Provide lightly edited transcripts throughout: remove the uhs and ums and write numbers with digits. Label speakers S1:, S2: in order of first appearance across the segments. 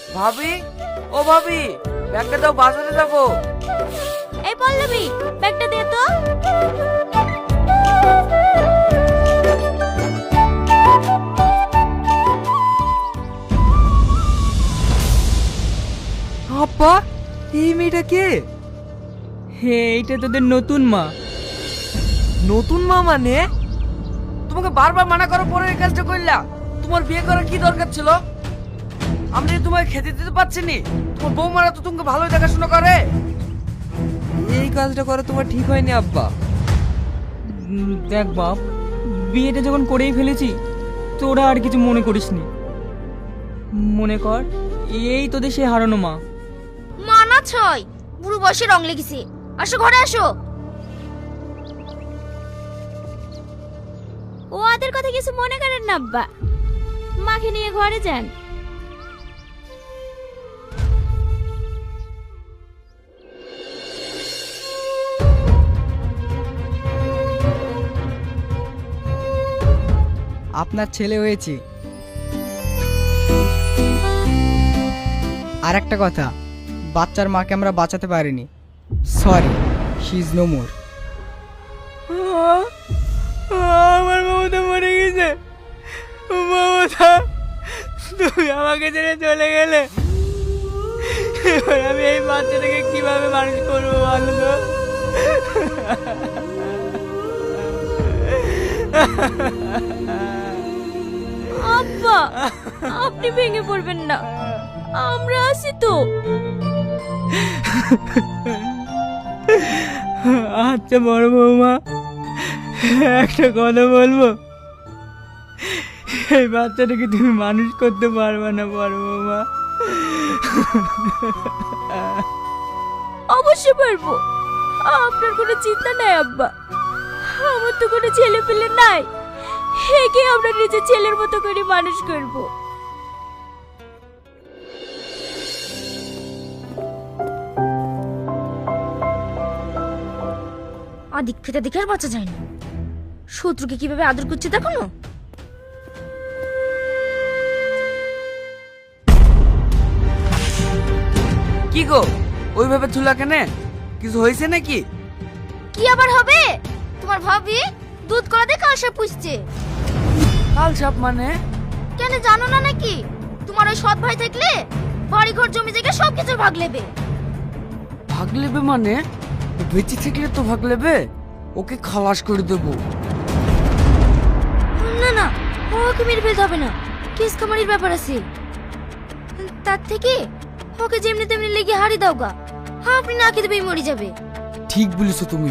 S1: ভাবি, ও ভাবি, ব্যাগটা দাও, বাজারে যাবো।
S2: এই পল্লবী, ব্যাগটা দে তো।
S3: আব্বা, এই মেয়েটা কে?
S4: হে, এইটা তোদের নতুন মা।
S1: নতুন মা মানে? তোমাকে বারবার মানা করার পরে এই কাজটা করলা। তোমার বিয়ে করার কি দরকার ছিল? আমি যে তোমাকে খেতে দিতে পারছি নি। তোমার বৌমারা তো তোমাকে ভালোই দেখাশোনা করে।
S3: এই কাজটা করা তোমার ঠিক হয়নি আব্বা।
S4: দেখ বাপ, বিয়েটা যখন করেই ফেলেছি, তোরা আর কিছু মনে করিসনি। মনে কর এই তোদের সে হারানো মা।
S2: মানা ছয়, বুড়ো বয়সে রং লেগেছে। আসো ঘরে আসো। ও আদের কথা কিছু মনে করেন না আব্বা, মাকে নিয়ে ঘরে যান।
S3: আপনার ছেলে হয়েছে। আর একটা কথা, বাচ্চার মাকে আমরা বাঁচাতে পারিনি। Sorry, she is no more.
S4: আমার মমতা মরে গেছে। মমতা, তুমি আমাকে ছেড়ে চলে গেলে, এবার আমি এই বাচ্চাটাকে কিভাবে মানুষ করবো বলো তো?
S2: আব্বা, আপনি ভেঙে পড়বেন না, আমরা আছি তো।
S4: আচ্ছা বড় বৌমা, একটা কথা বলবো। এই বাচ্চাটাকে তুমি মানুষ করতে পারবে না বড় বৌমা।
S2: অবশ্যই পারবো, আপনার কোনো চিন্তা নাই আব্বা। আমার তো কোনো ছেলে পেলে নাই, একে আমরা নিজের ছেলের মতো করে মানুষ করব। আদিক ফেটা দেখে আর বাঁচা যায় না। শত্রুকে কিভাবে আদর করছে দেখো না।
S1: কি গো, ওইভাবে ঝুলা কেনে? কিছু হয়েছে নাকি?
S2: কি আবার হবে? তোমার ভাবি দুধ কলা দিয়ে কালসাপ পুষছে।
S1: কাল সাপ মানে?
S2: কেন জানো না নাকি? তোমার ওই সৎ ভাই থাকলে বাড়ি ঘর জমি জায়গা সবকিছু ভাগ নেবে।
S1: ভাগ নেবে মানে? ও বেঁচে থাকলে তো ভাগ নেবে। ওকে খালাস করে দেবো।
S2: না না, ওকে মেরে ফেলতে হবে না, কেস কামারির ব্যাপার আছে। তার থেকে ওকে যেমনি তেমনি লেগে হারি দাও গা, আপনি না খেতে পেয়ে মরে যাবে।
S1: ঠিক বলেছো তুমি।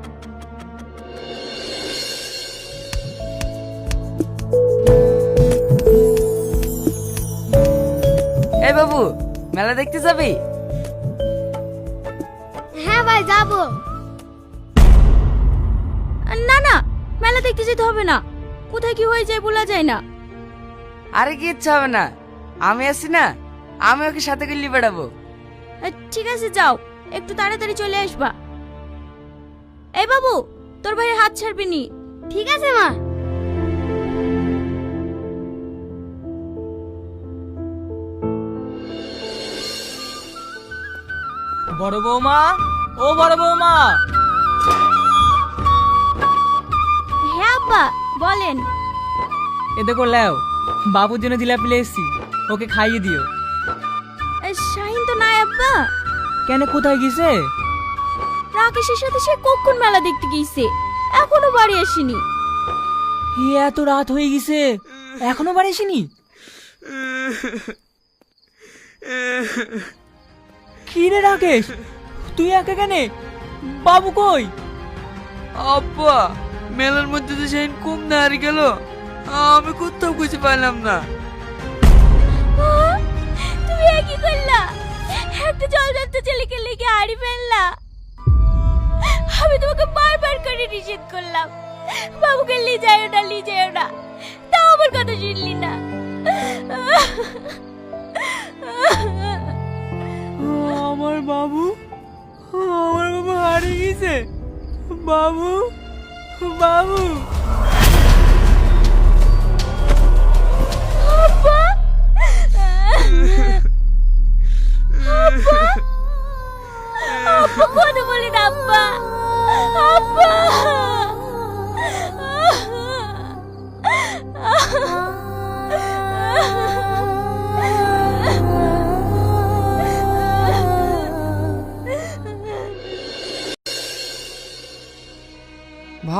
S1: এই বাবু, মেলা দেখতে যাবি?
S2: হ্যাঁ ভাই যাবো। না না, মেলা দেখতে যেতে হবে না, কোথায় কি হয়ে যায় বলা যায় না।
S1: আরে কি ইচ্ছা হবে না, আমি আছি না, আমি ওকে সাথে করে নিয়ে বেড়াবো।
S2: ঠিক আছে যাও, একটু তাড়াতাড়ি চলে আসবা। এই বাবু, তোর ভাইয়ের হাত ছাড়বি নি। ঠিক আছে মা।
S4: বড় বৌমা, ও বড় বৌমা।
S2: হ্যাঁ আব্বা বলেন।
S4: এ দেখো লেও, বাবুর জন্য জিলাপি নিয়ে এসেছি, ওকে খাইয়ে দিও।
S2: শাহিন তো নাই আব্বা।
S4: কেন, কোথায় গেছে?
S2: রাকেশের সাথে সে কখন মেলা দেখতে গিয়েছে, এখনো বাড়ি আসেনি।
S4: এত রাত হয়ে গেছে, এখনো বাড়ি আসেনি? কি রে রাকেশ, তুই একা কেন? বাবু কই?
S1: আব্বা, মেলার মধ্যে তো সেই কম না হারিয়ে গেল, আমি কোথাও খুঁজে পাইলাম না।
S2: তুমি কি করলা? একটা জলজান্ত ছেলেকে লেগে হারি ফেললা। আমি তোমাকে বারবার করে নিষেধ করলাম, বাবুকে নিয়ে যাও না, নিয়ে যাও না, তাও আমার কথা শুনলি না।
S4: আমার বাবু, আমার বাবু হারিয়ে গেছে। বাবু, বাবু।
S2: আব্বা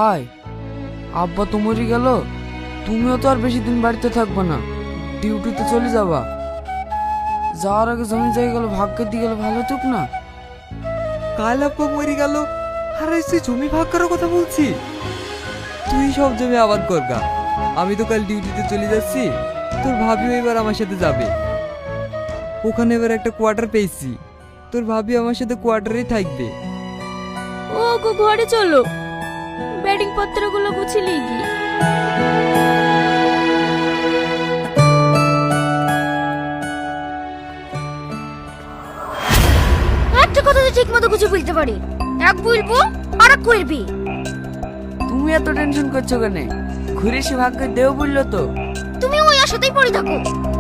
S1: ভাই, আব্বা তো মরে গেল, তুমিও তো আর বেশি দিন বাড়িতে থাকবে না, ডিউটিতে চলে যাবা। যাওয়ার আগে জমি জায়গাগুলো ভাগ্যের দিয়ে গেলে ভালো হতুক না?
S5: কাল আব্বা মরে গেল আর এসে জমি ভাগ করার কথা বলছি। তুই সব জমি আবাদ করগা, আমি তো কাল ডিউটিতে চলে যাচ্ছি। তোর ভাবিও এবার আমার সাথে যাবে। ওখানে এবার একটা কোয়ার্টার পেয়েছি, তোর ভাবি আমার সাথে কোয়ার্টারেই থাকবে।
S2: ও গো ঘরে চলো, ব্যাটিং পত্রগুলো গুছিয়ে গি। একটা কথা তো ঠিক মতো গুছিয়ে বলতে পারি, এক বলবো আর এক করবি।
S1: তুমি এত টেনশন করছো কেন? ঘুরে সে ভাগ্যে দেও বললো তো।
S2: তুমি ওই আশাতেই পড়ে থাকো।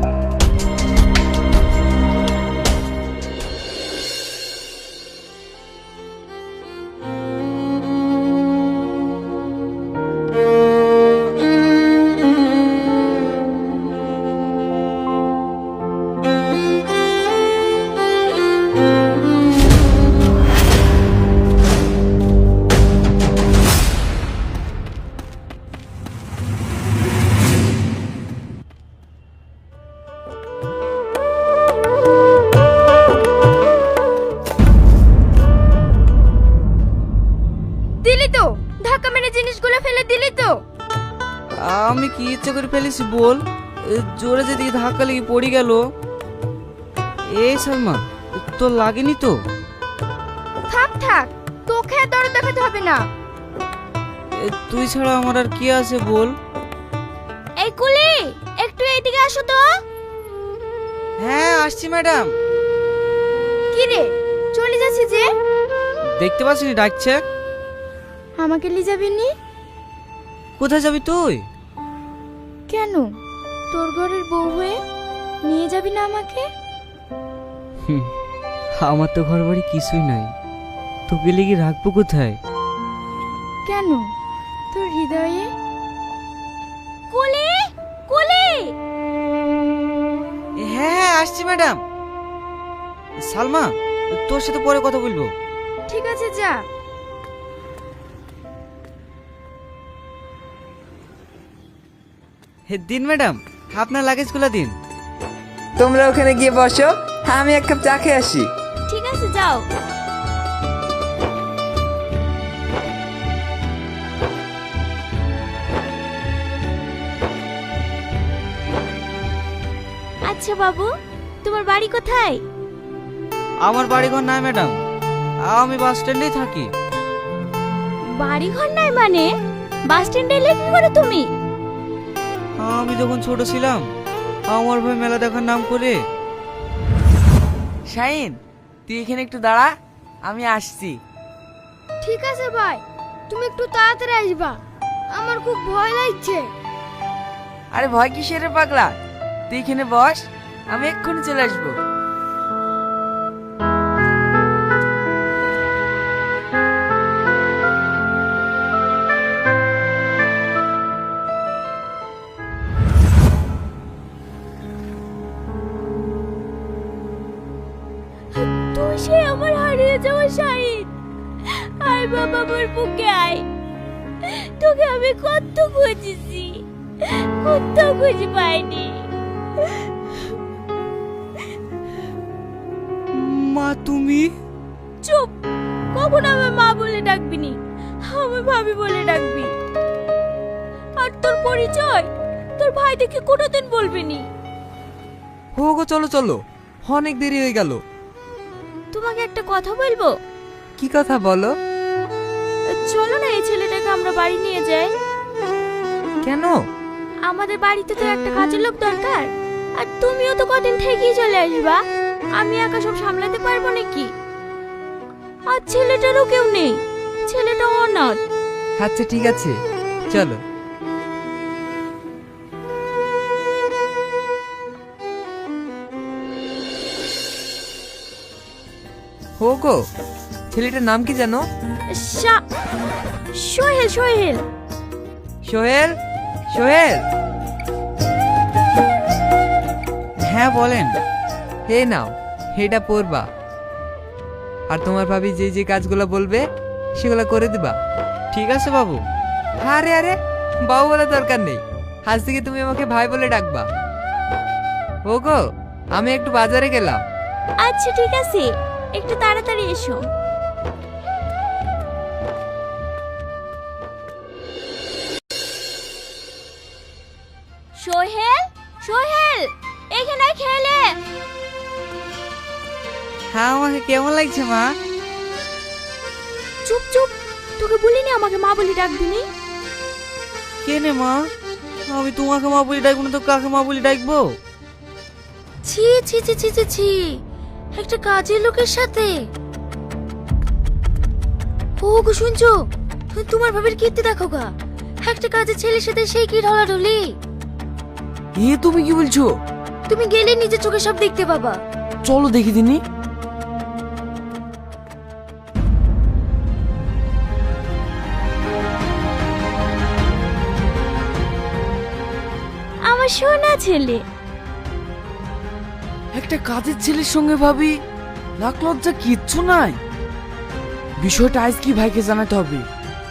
S2: দিলি তো ধাক্কা মেরে জিনিসগুলো ফেলে দিলি তো।
S1: আমি কি ইচ্ছে করে ফেলেছি বল? জোরে যেদিকে ধাক্কা লেগে পড়ে গেল। এই সালমা, তোর লাগেনি তো?
S2: থাক থাক, তোকে আর দরদ দেখাতে হবে না।
S1: তুই ছাড়া আমার আর কি আছে বল?
S2: এই কুলি, একটু এইদিকে আসো তো।
S1: হ্যাঁ আসছি ম্যাডাম।
S2: কি রে, চলে যাচ্ছি যে?
S1: দেখতে পাচ্ছিনি ডাকছে।
S2: আমাকে নিয়ে যাবি নি?
S1: কোথায় যাবি তুই?
S2: কেন, তোর ঘরের বউ হয়ে নিয়ে যাবি না আমাকে?
S1: আমার তো ঘর বাড়ি কিছুই নাই, তোকে লেগে রাখবো কোথায়?
S2: কেন, তোর হৃদয়ে? কুলি, কুলি।
S1: হ্যাঁ হ্যাঁ আসছি ম্যাডাম। সালমা, তোর সাথে পরে কথা বলবো।
S2: ঠিক আছে যা।
S1: দিন ম্যাডাম, আপনার লাগেজগুলো দিন।
S5: তোমরা ওখানে গিয়ে বসো, আমি এক কাপ চা খেয়ে আসি।
S2: ঠিক আছে যাও। আচ্ছা বাবু, তোমার বাড়ি কোথায়?
S1: আমার বাড়ি ঘর নাই ম্যাডাম, আমি বাস স্ট্যান্ডেই থাকি।
S2: বাড়ি ঘর নাই মানে? বাস স্ট্যান্ডে এলে কি করে তুমি?
S1: আমি যখন ছোট ছিলাম, আমার ভাই মেলা দেখার নাম করে। শাহিন, তুই এখানে একটু দাঁড়া, আমি আসছি।
S2: ঠিক আছে ভাই, তুমি একটু তাড়াতাড়ি আসবা, আমার খুব ভয় লাগছে।
S1: আরে ভয় কিসের রে পাগলা, তুই এখানে বস, আমি এক্ষুনি চলে আসবো।
S2: তুই সে আমার হারিয়ে যাওয়া শাহিদ। আয় বাবা, আমার বুকে আয়। তোকে আমি কত খুঁজেছি, কোথাও খুঁজে পাইনি।
S5: মা তুমি?
S2: চুপ, কখন আমার মা বলে ডাকবি নি, আমার ভাবি বলে ডাকবি। আর তোর পরিচয় তোর ভাই দেখে কোনোদিন বলবি নি।
S5: হো গো, চলো চলো, অনেক দেরি হয়ে গেল।
S2: তোমাকে একটা কথা বলবো।
S5: কি কথা বলো?
S2: চলো না, এই ছেলেটাকে আমরা বাড়ি নিয়ে যাই।
S5: কেন?
S2: আমাদের বাড়িতে তো একটা কাজের লোক দরকার, আর তুমিও তো কদিন থেকেই চলে আসবা। আমি একা সব সামলাতে পারবো নাকি? আর ছেলেটারও কেউ নেই, ছেলেটা অনাথ।
S5: আচ্ছা ঠিক আছে, চলো। হো গো, ছেলেটার নাম কি জানো?
S2: সোহেল। সোহেল।
S5: সোহেল। সোহেল,
S1: হ্যাঁ বলেন।
S5: হে নাও, এটা পড়বা। আর তোমার ভাবি যে যে কাজগুলো বলবে সেগুলো করে দিবা।
S1: ঠিক আছে বাবু।
S5: আরে আরে, বাবু বলার দরকার নেই, আজ থেকে তুমি আমাকে ভাই বলে ডাকবা। ওগো, আমি একটু বাজারে গেলাম।
S2: আচ্ছা ঠিক আছে, একটু তাড়াতাড়ি এসো। সোহেল, সোহেল, এখানে খেলে।
S3: হ্যাঁ, আমাকে কেমন লাগছে মা?
S2: চুপ চুপ, তোকে বলিনি আমাকে মা বলি ডাকবি নি?
S3: কেনে মা, আমি তোমাকে মা বলে ডাকবো না তো কাকে মা বলে ডাকবো?
S2: ছি ছি ছি ছি ছি ছি, একটা কাজের লোকের সাথে। ও গো শুনছো, তোমার ভাবের কীর্তি দেখো গা, একটা কাজের ছেলের সাথে সেই কি ঢলাঢলি।
S1: এ তুমি কি বলছো?
S2: তুমি গেলে নিজের চোখে সব দেখতে পাবা।
S1: চলো দেখি দিনি।
S2: আমার সোনা ছেলে।
S1: একটা কাজের ছেলের সঙ্গে ভাবি লাখ লজ্জা কিচ্ছু নাই। বিষয়টা আজ কি ভাইকে জানাতে হবে।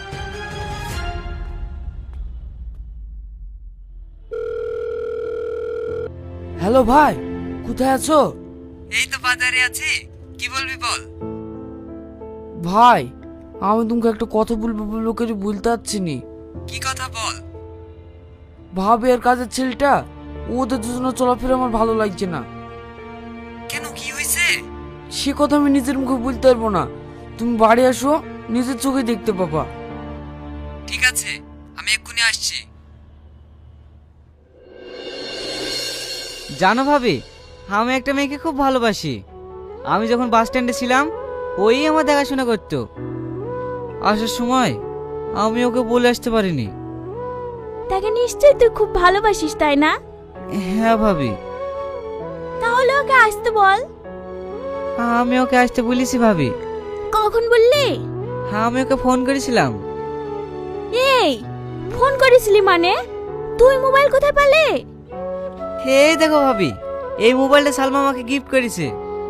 S1: হ্যালো ভাই, কোথায় আছো?
S5: এই তো বাজারে আছি, কি বলবি বল।
S1: ভাই, আমি তোমাকে একটা কথা বলবো করে বলতে পারছি নি।
S5: কি কথা বল।
S1: ভাবি আর কাজের ছেলেটা, ওদের দুজনে চলাফেরা আমার ভালো লাগছে না।
S5: কেন, কি হয়েছে?
S1: সে কথা আমি নিজের মুখে বলতে পারবো না, তুমি বাড়ি আসো, নিজের চোখে দেখতে পাবা।
S5: ঠিক আছে, আমি এক্ষুনি আসছি।
S3: জানো ভাবি, আমি একটা মেয়েকে খুব ভালোবাসি। আমি যখন বাস স্ট্যান্ডে ছিলাম, ওই আমার দেখাশোনা করতো। আসার সময় আমি ওকে বলে আসতে পারিনি।
S2: তাকে নিশ্চয়ই তুই খুব ভালোবাসিস, তাই না?
S3: হ্যাঁ ভাবি,
S2: তাহলে ওকে আসতে বল।
S3: আমি ওকে আসতে বলেছি ভাবি।
S2: কখন বললি?
S3: হ্যাঁ, আমি ওকে ফোন করেছিলাম।
S2: এই, ফোন করেছিলি মানে? তুই মোবাইল কোথায় পেলে?
S3: এই দেখো ভাবি, এই মোবাইলটা সালমা আমাকে গিফট করেছে।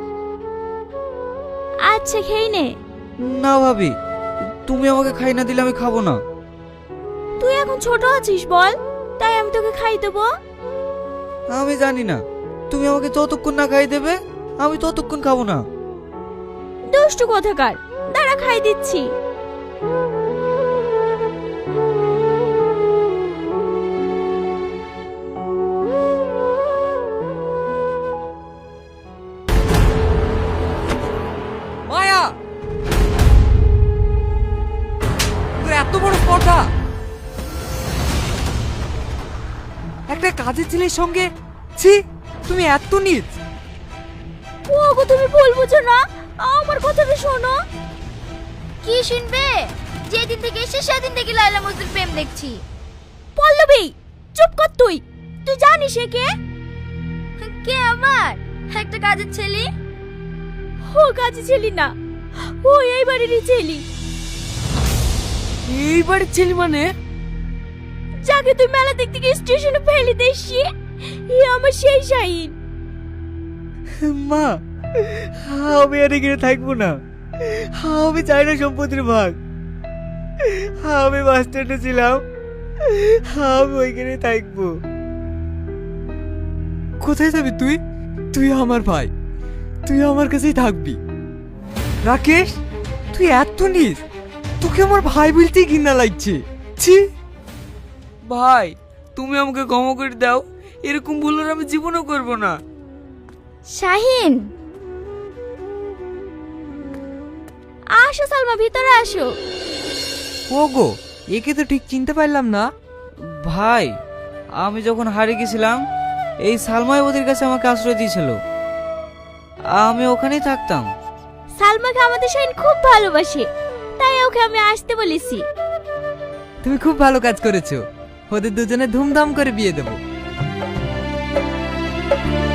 S2: আচ্ছা খেয়ে নে।
S3: না ভাবি, তুমি আমাকে খাই না দিলে আমি খাবো না।
S2: তুই এখন ছোট আছিস বল, তাই আমি তোকে খাই দেবো।
S3: আমি জানি না, তুমি আমাকে যতক্ষণ না খাই দেবে আমি ততক্ষণ খাবো না।
S2: দুষ্টু কোথাকার, দাঁড়া খাই দিচ্ছি।
S5: মায়া, তোর এত বড় স্পর্ধা, একটা কাজের ছেলের সঙ্গে। ছি, তুমি এত নীচ।
S2: ওগো তুমি ভুল বুঝো না, আমার কথাটা শোনো। কি শুনবে? যেদিন থেকে এসে সেদিন থেকে লাইলা মজনুর প্রেম দেখছি। পল্লবী, চুপ কর তুই। তুই জানিস এ কে? কে আমার? একটা কাজের ছেলে। ও কাজের ছেলে না, ও এই বাড়িরই ছেলে।
S1: এই বাড়ির ছেলে মানে?
S2: যাকে তুই মেলা দেখতে গিয়ে স্টেশনে ফেলে দিয়েছি, ই আমার সেই শাহিন।
S3: মা, আমি আর এখানে থাকবো না। আমি চাই না সম্পত্তির ভাগ। আমি বাস স্ট্যান্ডে ছিলাম, আমি ওইখানে থাকবো।
S5: কোথায় যাবি তুই? তুই আমার ভাই, তুই আমার কাছেই থাকবি। রাকেশ, তুই এত নীচ, তোকে আমার ভাই বলতেই ঘৃণা লাগছে। ছি।
S1: ভাই, তুমি আমাকে ক্ষমা করে দাও, এরকম ভুল আর আমি জীবনও করব না।
S2: শাহিন, আসো সালমা, ভিতরে আসো।
S5: ওগো, একে তো ঠিক চিনতে পারলাম না।
S3: ভাই, আমি যখন হারিয়ে গেছিলাম, এই সালমাই ওদের কাছে আমাকে আশ্রয় দিয়েছিল। আমি ওখানেই থাকতাম।
S2: সালমাকে আমাদের শাহিন খুব ভালোবাসে, তাই ওকে আমি আসতে বলেছি।
S5: তুমি খুব ভালো কাজ করেছো, ওদের দুজনে ধুমধাম করে বিয়ে দেবো।